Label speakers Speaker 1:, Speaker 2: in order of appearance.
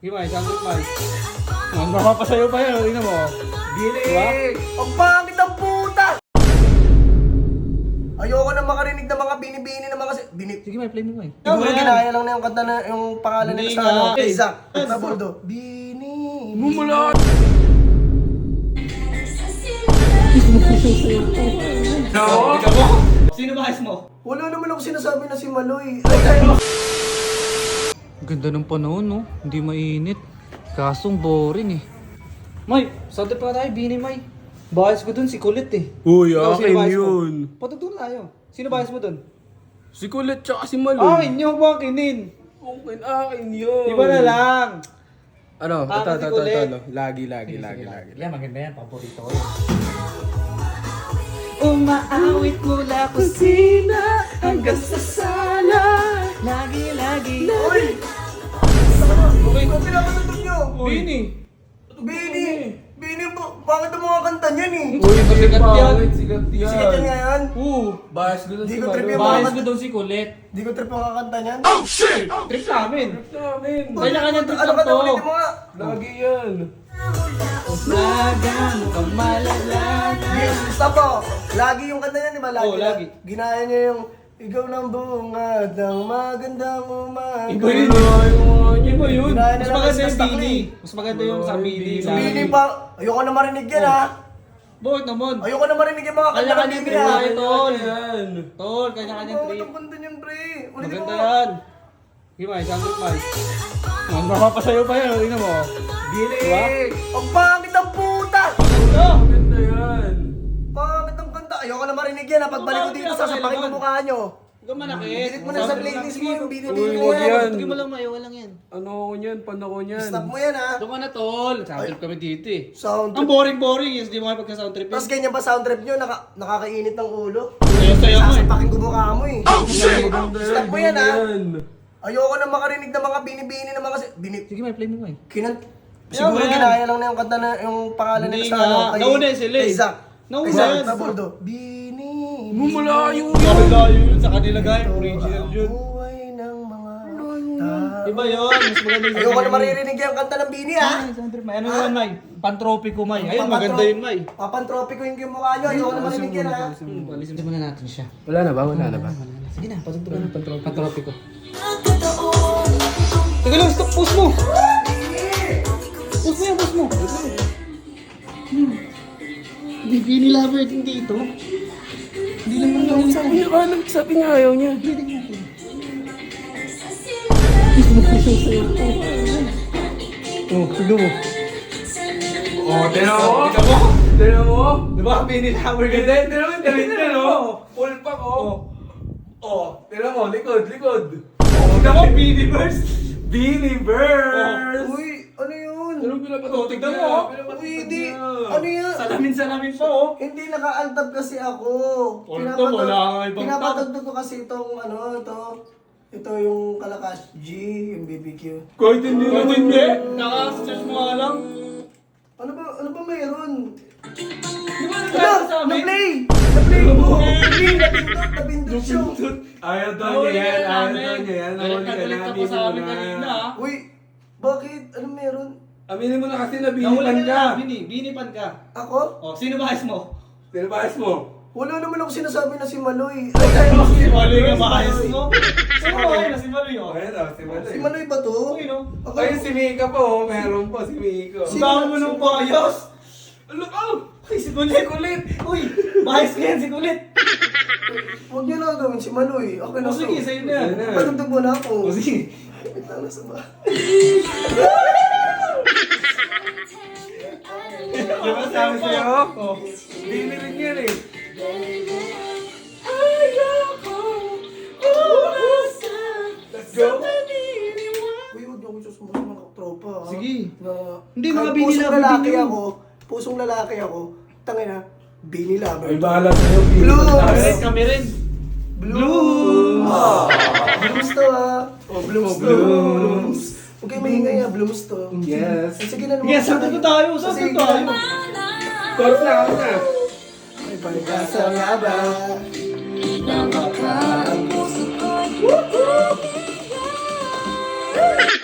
Speaker 1: Sige, May. Sandot, May. Mapapasayo pa yan. Tingnan mo.
Speaker 2: Bilig!
Speaker 1: Diba?
Speaker 2: Ang pangit ng puta! Ayoko na makarinig ng mga binibini ng mga...
Speaker 1: Sige, May. Play mo, May.
Speaker 2: Siguro ginaya lang na yung kanta na yung pangalan
Speaker 1: Hindi
Speaker 2: nila sa ano.
Speaker 1: nga.
Speaker 2: Isaac. Taboldo. Bini.
Speaker 1: Mumula! No! Ikaw mo? Sino ba mo?
Speaker 2: Wala naman ako sinasabi na si Maloy. Ay.
Speaker 1: Ganda ng panahon, no? Hindi mainit. Kasong boring eh. May, sante pa tayo, Bini, May. Bahas ko dun, si Kulit eh.
Speaker 3: Uy,
Speaker 1: Ikaw, sino
Speaker 3: akin
Speaker 1: bahas mo?
Speaker 3: yun.
Speaker 1: Patugtog tayo. Sino bahas mo dun?
Speaker 3: Si Kulit tsaka si Malo.
Speaker 1: Akin nyo, bakinin.
Speaker 3: Akin yun.
Speaker 1: Iba na lang.
Speaker 3: Ano?
Speaker 1: Ah, si Kulit.
Speaker 3: Lagi.
Speaker 1: Yan, maganda yan. Paborito ko yan. Umaawit mula kusina hanggang sa sala. Lagi.
Speaker 2: Uy!
Speaker 1: Okay.
Speaker 2: Ano pinapatutog nyo?
Speaker 1: Bini.
Speaker 2: Bini! Bini, bakit ang mga kanta niyan eh?
Speaker 1: Uy, sikat yan.
Speaker 3: Sikat yan.
Speaker 2: Sikat yan ngayon.
Speaker 3: Bahas ko dun
Speaker 2: Di
Speaker 3: si
Speaker 2: ko
Speaker 3: Malo.
Speaker 2: trip yung
Speaker 1: Bahas
Speaker 2: mga
Speaker 1: ko daw si Kulit.
Speaker 2: Di ko trip yung kakanta niyan.
Speaker 1: Trip namin.
Speaker 3: Namin.
Speaker 1: Kanya-kanya trip
Speaker 2: Ano
Speaker 1: lang
Speaker 2: ka
Speaker 1: to.
Speaker 2: na ulit mo nga?
Speaker 3: Lagi yan.
Speaker 1: Lagan ka malalaga.
Speaker 2: Stop po. Lagi yung kanta niyan, di ba?
Speaker 1: Oo, lagi.
Speaker 2: Ginaya niya yung ikaw ng bungad ng magandang umaga.
Speaker 1: Iba yun. Iba yun.
Speaker 2: Ginaya na
Speaker 1: Mas
Speaker 2: lang
Speaker 1: maganda
Speaker 2: sa
Speaker 1: yung
Speaker 2: Stakli.
Speaker 1: Bini. Mas maganda yung sa Bini.
Speaker 2: Bini pa. Ayoko na marinig yan ha.
Speaker 1: Bakit naman?
Speaker 2: Ayoko na marinig yung mga kanta ng
Speaker 1: Kanya-kanya
Speaker 2: Bini
Speaker 1: trip
Speaker 2: ha.
Speaker 1: tayo, tol.
Speaker 3: Yan.
Speaker 1: Tol, kanya-kanya
Speaker 2: Bakit
Speaker 1: trip.
Speaker 2: ang kanta niyan, pre? Ulitin mo
Speaker 1: Maganda
Speaker 2: nga.
Speaker 1: yan. Sige, May. Sandot, May. Mapapasayo pa yan. Tingnan mo.
Speaker 2: Bilig! Ang pangit ng puta!
Speaker 3: Maganda yan.
Speaker 2: Pangit ng kanta. Ayoko na marinig yan ha. Pagbalik ko dito, sasapakin ko mukha nyo.
Speaker 1: Huwag ka manakit.
Speaker 2: Delete mo na sa playlist mo yung
Speaker 3: Uy,
Speaker 2: binibini
Speaker 3: wag
Speaker 2: na yan.
Speaker 3: yan.
Speaker 1: Tugin mo lang, May. Walang yan.
Speaker 3: Ano ko niyan? Paano ko niyan?
Speaker 2: Stop mo yan ha.
Speaker 1: Doon ka na, tol. Sound trip kami dito eh.
Speaker 2: Sound
Speaker 1: Ang
Speaker 2: trip.
Speaker 1: boring-boring yun. Hindi mo kayo pagka-sound trip
Speaker 2: Tapos
Speaker 1: yun.
Speaker 2: ganyan ba sound trip nyo? Nakakainit ng ulo?
Speaker 1: Saya-saya mo eh.
Speaker 2: Sasapakin ko mukha mo eh. Stop mo yan ha.
Speaker 3: Yan.
Speaker 2: Ayoko na makarinig ng mga binibini ng mga...
Speaker 1: Sige, May. Play mo, May.
Speaker 2: Siguro
Speaker 1: yan.
Speaker 2: ginaya lang na yung kanta na yung pangalan
Speaker 1: Hindi
Speaker 2: nila sa
Speaker 1: nga.
Speaker 2: ano. kay-
Speaker 1: Nauna yun sila eh.
Speaker 2: kay Isaac.
Speaker 1: Nauna
Speaker 2: Isaac,
Speaker 1: yan.
Speaker 2: Taboldo. Bini.
Speaker 3: Mumulayo
Speaker 1: Layo yun sa kanila, guys. Original yun.
Speaker 2: Buhay ng mga tao.
Speaker 1: Iba yun. Mas maganda yung
Speaker 2: Ayoko na maririnig yung kanta ng Bini ha.
Speaker 1: Ay, sound trip, May. Ano naman, May? Pantropiko, May. Ayun, maganda yun, May.
Speaker 2: Papantropi ko yung mukha nyo. Ayoko na marinig yan ha.
Speaker 1: Alisin mo na natin siya.
Speaker 3: Wala na ba? Wala na ba?
Speaker 1: Sige na, patugtugan ng pantropiko. Teka lang, stop, pause mo! Pause mo yan, pause mo! Bibini lover din dito. Hindi lang naman
Speaker 3: Sabi nga ayaw niya.
Speaker 1: Oh, tignan mo.
Speaker 3: Oh, tira mo?
Speaker 1: Tignan mo?
Speaker 3: Tira mo?
Speaker 1: Di ba, bini lover ka
Speaker 3: Hindi,
Speaker 1: din?
Speaker 3: tira mo, tira mo. Full pack, oh. Oh, tira mo, likod.
Speaker 1: Tignan mo, bini burst!
Speaker 3: Biniverse!
Speaker 2: Uy, ano yun?
Speaker 3: Anong pinapatutog
Speaker 1: Tignan
Speaker 3: niya?
Speaker 1: mo, oh.
Speaker 3: Pinapatutog
Speaker 2: Uy, di.
Speaker 3: niya.
Speaker 2: Ano yan?
Speaker 1: Salamin pa, oh.
Speaker 2: Hindi, naka-altab kasi ako.
Speaker 1: Altab, wala kang ibang tab.
Speaker 2: Pinapatugtog ko kasi itong ano, ito yung Kalakas G, yung BBQ.
Speaker 3: Kahit hindi
Speaker 1: Kung
Speaker 3: naman
Speaker 1: hindi,
Speaker 3: niya.
Speaker 1: naka-search mo nga lang.
Speaker 2: Ano ba mayroon?
Speaker 1: Di ba
Speaker 2: Ano?
Speaker 1: nag sa amin?
Speaker 2: Na-play! Na-play mo! Hindi, napindot siya.
Speaker 3: Ayaw daw
Speaker 1: Nahuli
Speaker 3: niya yan,
Speaker 1: ka
Speaker 3: ayaw
Speaker 1: namin.
Speaker 3: daw niya yan.
Speaker 1: Galit
Speaker 3: Nahuli
Speaker 1: na
Speaker 3: ka
Speaker 1: galit
Speaker 3: na,
Speaker 1: ako sa
Speaker 3: aminin
Speaker 1: amin
Speaker 3: mo
Speaker 1: kanina,
Speaker 3: na.
Speaker 1: ah.
Speaker 2: Uy, bakit? Ano meron?
Speaker 3: Aminin mo na kasi
Speaker 1: Nahuli
Speaker 3: nabinipan
Speaker 1: ka
Speaker 3: ka.
Speaker 1: na, binipan ka.
Speaker 2: Ako?
Speaker 1: Oh, sino bahas mo?
Speaker 3: Tinabahas mo.
Speaker 2: Wala naman ako sinasabi na si Maloy.
Speaker 1: Si Maloy ka bahas mo? Sino bahas na si Maloy, oh?
Speaker 3: Ayun daw, si Maloy.
Speaker 2: Si Maloy ba to?
Speaker 1: Okay, no?
Speaker 2: Ako,
Speaker 3: Ayun si Mika po, meron po si Miko.
Speaker 1: Ang dami mo ng bahas.
Speaker 3: Look out!
Speaker 1: Ay, si Kulit. Uy, bahas ka yan, si Kulit.
Speaker 2: huwag niyo na gawin si Maloy. Okay na
Speaker 1: O sige,
Speaker 2: to.
Speaker 1: sa'yo na yan.
Speaker 3: Ayun na.
Speaker 2: Patugtog mo na ako.
Speaker 1: O sige.
Speaker 2: Wait lang, nasa ba?
Speaker 3: Di ba sabi sa'yo?
Speaker 1: Oh.
Speaker 3: Bini rin yan eh. Let's go!
Speaker 2: Uy, huwag niyo ako susumbong mga tropa. ha?
Speaker 1: Sige.
Speaker 2: Na,
Speaker 1: Hindi,
Speaker 2: kahit
Speaker 1: mga Bini
Speaker 2: pusong
Speaker 1: lover
Speaker 2: lalaki
Speaker 1: din yun.
Speaker 2: ako, pusong lalaki ako, tangina, Bini lover.
Speaker 3: Ay, bahala sa'yo. Bini.
Speaker 2: Blues!
Speaker 1: Kami rin.
Speaker 2: Blooms! Blooms to ha. Oh, blooms to. Blooms. Huwag kayo maingay ha, blooms to.
Speaker 3: Yes.
Speaker 2: Sige na naman.
Speaker 1: Yes, sabi ko tayo. Sabi ko tayo.
Speaker 3: Chorus na, chorus na.
Speaker 2: May pagkasa nga ba?
Speaker 4: Napaka ang puso ko'y